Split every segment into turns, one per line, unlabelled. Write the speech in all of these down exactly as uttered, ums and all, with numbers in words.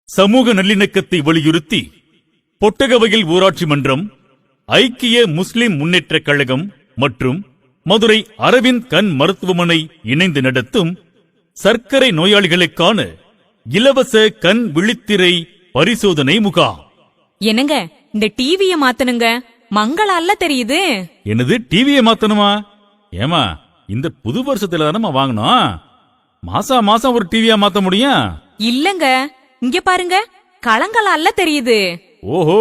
சமூக நல்லிணக்கத்தை வலியுறுத்தி பொட்டகவயல் ஊராட்சி மன்றம், ஐக்கிய முஸ்லிம் முன்னேற்றக் கழகம் மற்றும் மதுரை அரவிந்த் கண் மருத்துவமனை இணைந்து நடத்தும் சர்க்கரை நோயாளிகளுக்கான இலவச கண் விழித்திரை பரிசோதனை முகாம்.
என்னங்க, இந்த டிவிய மாத்தனுங்க, மங்களால தெரியுது.
என்னது, டிவியை மாத்தணுமா? ஏமா, இந்த புது வருஷத்துல தானே வாங்கணும். மாசா மாசம் ஒரு டிவியா மாத்த முடியும்?
இல்லங்க, இங்க பாருங்க, கலங்களால தெரியுது.
ஓஹோ,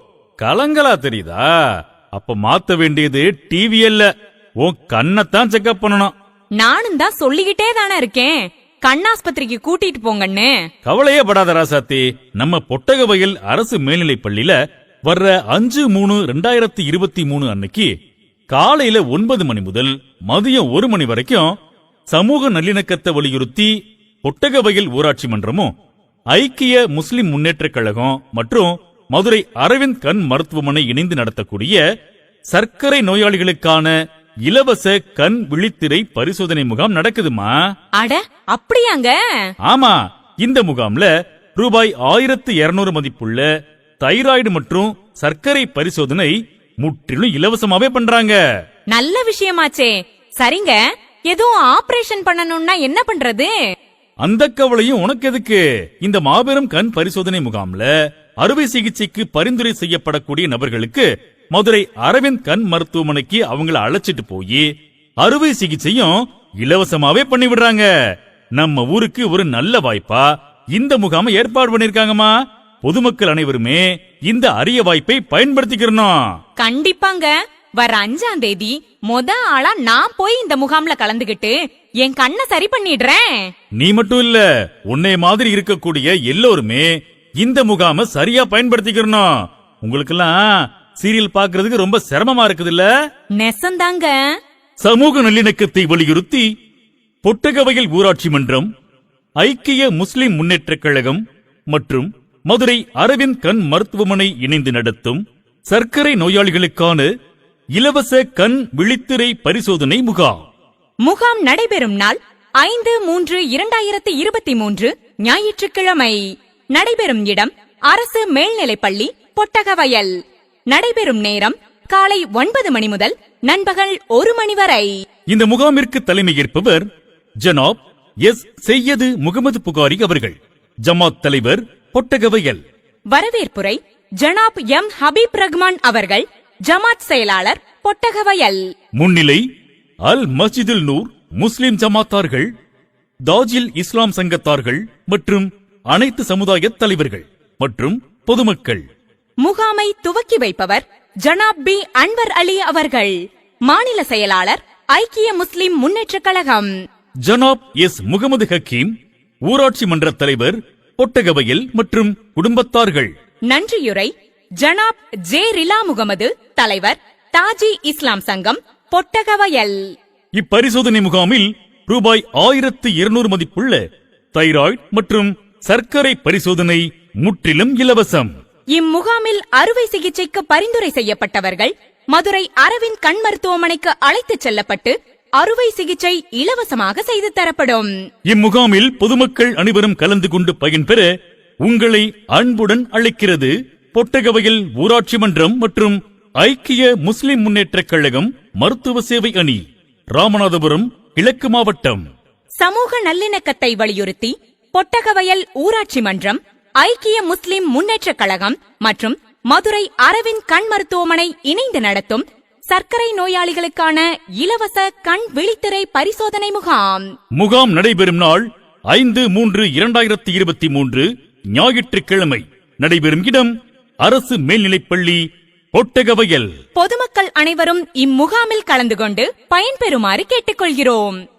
கலங்களா தெரியுதா? அப்ப மாத்த வேண்டியது டிவி அல்ல, உன் கண்ணத்தான் செக்அப் பண்ணணும்.
நானும் தான் சொல்லிக்கிட்டே தானே இருக்கேன், கண்ணாஸ்பத்திரிக்கு கூட்டிட்டு போங்கன்னு.
கவலையே படாத ராசாத்தி, நம்ம பொட்டகவயல் அரசு மேல்நிலைப் பள்ளியில வர்ற அஞ்சு மூணு ரெண்டாயிரத்தி இருபத்தி மூணு அன்னைக்கு காலையில ஒன்பது மணி முதல் மதியம் ஒரு மணி வரைக்கும் சமூக நல்லிணக்கத்தை வலியுறுத்தி பொட்டகவயல் ஊராட்சி மன்றமும், ஐக்கிய முஸ்லிம் முன்னேற்றக் கழகம் மற்றும் மதுரை அரவிந்த் கண் மருத்துவமனை இணைந்து நடத்தக்கூடிய சர்க்கரை நோயாளிகளுக்கான இலவச கண் விழித்திரை பரிசோதனை முகாம் நடக்குதுமா.
அட, அப்படியாங்க?
ஆமா, இந்த முகாம்ல ரூபாய் ஆயிரத்து இருநூறு மதிப்புள்ள தைராய்டு மற்றும் சர்க்கரை பரிசோதனை முற்றிலும் இலவசமாவே பண்றாங்க.
நல்ல விஷயமாச்சே. சரிங்க, எதுவும் ஆபரேஷன் பண்ணணும்னா என்ன பண்றது?
அந்த கவலையும் உனக்கு எதுக்கு? இந்த மாபெரும் கண் பரிசோதனை முகாம்ல அறுவை சிகிச்சைக்கு பரிந்துரை செய்யப்படக்கூடிய நபர்களுக்கு மதுரை அரவிந்த் கண் மருத்துவமனைக்கு அவங்கள அழைச்சிட்டு போய் அறுவை சிகிச்சையும் இலவசமாவே பண்ணி விடுறாங்க. நம்ம ஊருக்கு ஒரு நல்ல வாய்ப்பா இந்த முகாமை ஏற்பாடு பண்ணிருக்காங்கம்மா. பொதுமக்கள் அனைவருமே இந்த அரிய வாய்ப்பை பயன்படுத்திக்கிறோம்.
கண்டிப்பாங்க, வர அஞ்சாம் தேதி மொத ஆளா நான் போய் இந்த முகாம்ல கலந்துகிட்டு என் கண்ணை சரி பண்ணிடுறேன்.
நீ மட்டும் இல்ல, உன்னை மாதிரி இருக்கக்கூடிய எல்லோருமே இந்த முகாமை சரியா பயன்படுத்திக்கிறோம். உங்களுக்கெல்லாம் சீரியல் பாக்குறதுக்கு ரொம்ப சிரமமா இருக்குது இல்ல?
நெசந்தாங்க.
சமூக நல்லிணக்கத்தை வலியுறுத்தி பொட்டகவயல் ஊராட்சி மன்றம், ஐக்கிய முஸ்லிம் முன்னேற்றக் கழகம் மற்றும் மதுரை அரவிந்த் கண் மருத்துவமனை இணைந்து நடத்தும் சர்க்கரை நோயாளிகளுக்கான இலவச கண் விழித்திரை பரிசோதனை முகாம்.
முகாம் நடைபெறும் நாள் ஐந்து மூன்று இரண்டாயிரத்தி இருபத்தி மூன்று ஞாயிற்றுக்கிழமை. நடைபெறும் இடம் அரசு மேல்நிலைப்பள்ளி பொட்டகவயல். நடைபெறும் நேரம் காலை ஒன்பது மணி முதல் நண்பகல் ஒரு மணி வரை.
இந்த முகாமிற்கு தலைமையேற்பவர் ஜனாப் எஸ் செய்யது முகமது புகாரி அவர்கள், ஜமாத் தலைவர் பொட்டகவயல்.
வரவேற்புரை ஜனாப் எம் ஹபீப் ரஹ்மான் அவர்கள், ஜமாத் செயலாளர் பொட்டகவயல்.
முன்னிலை அல் மஸ்ஜிதுல் நூர் முஸ்லிம் ஜமாத்தார்கள், தாஜில் இஸ்லாம் சங்கத்தார்கள் மற்றும் அனைத்து சமுதாய தலைவர்கள் மற்றும் பொதுமக்கள்.
முகாமை துவக்கி வைப்பவர் ஜனாப் பி அன்வர் அலி அவர்கள், மாநில செயலாளர் ஐக்கிய முஸ்லிம் முன்னேற்றக் கழகம்.
ஜனாப் எஸ் முகமது ஹக்கீம், ஊராட்சி மன்ற தலைவர் பொட்டகவயல் மற்றும் குடும்பத்தார்கள்.
நன்றியுரை ஜனாப் ஜே ரிலா முகமது, தலைவர் தாஜி இஸ்லாம் சங்கம் பொட்டகவயல்.
இப்பரிசோதனை முகாமில் ரூபாய் ஆயிரத்து இருநூறு மதிப்புள்ள தைராய்டு மற்றும் சர்க்கரை பரிசோதனை முற்றிலும் இலவசம்.
இம்முகாமில் அறுவை சிகிச்சைக்கு பரிந்துரை செய்யப்பட்டவர்கள் மதுரை அரவிந்த் கண் மருத்துவமனைக்கு அழைத்துச் செல்லப்பட்டு அறுவை சிகிச்சை இலவசமாக செய்து தரப்படும்.
இம்முகாமில் பொதுமக்கள் அனைவரும் கலந்து கொண்டு பயன்பெற உங்களை அன்புடன் அழைக்கிறது பொட்டகவயல் ஊராட்சி மன்றம் மற்றும் ஐக்கிய முஸ்லிம் முன்னேற்றக் கழகம் மருத்துவ சேவை அணி, ராமநாதபுரம் கிழக்கு மாவட்டம்.
சமூக நல்லிணக்கத்தை வலியுறுத்தி பொட்டகவயல் ஊராட்சி மன்றம், ஐக்கிய முஸ்லிம் முன்னேற்றக் கழகம் மற்றும் மதுரை அரவிந்த் கண் மருத்துவமனை இணைந்து நடத்தும் சர்க்கரை நோயாளிகளுக்கான இலவச கண் விழித்திரை பரிசோதனை முகாம்.
முகாம் நடைபெறும் நாள் ஐந்து மூன்று இரண்டாயிரத்தி இருபத்தி மூன்று ஞாயிற்றுக்கிழமை. நடைபெறும் இடம் அரசு மேல்நிலைப்பள்ளி பொட்டகவயல்.
பொதுமக்கள் அனைவரும் இம்முகாமில் கலந்து கொண்டு பயன்பெறுமாறு கேட்டுக்கொள்கிறோம்.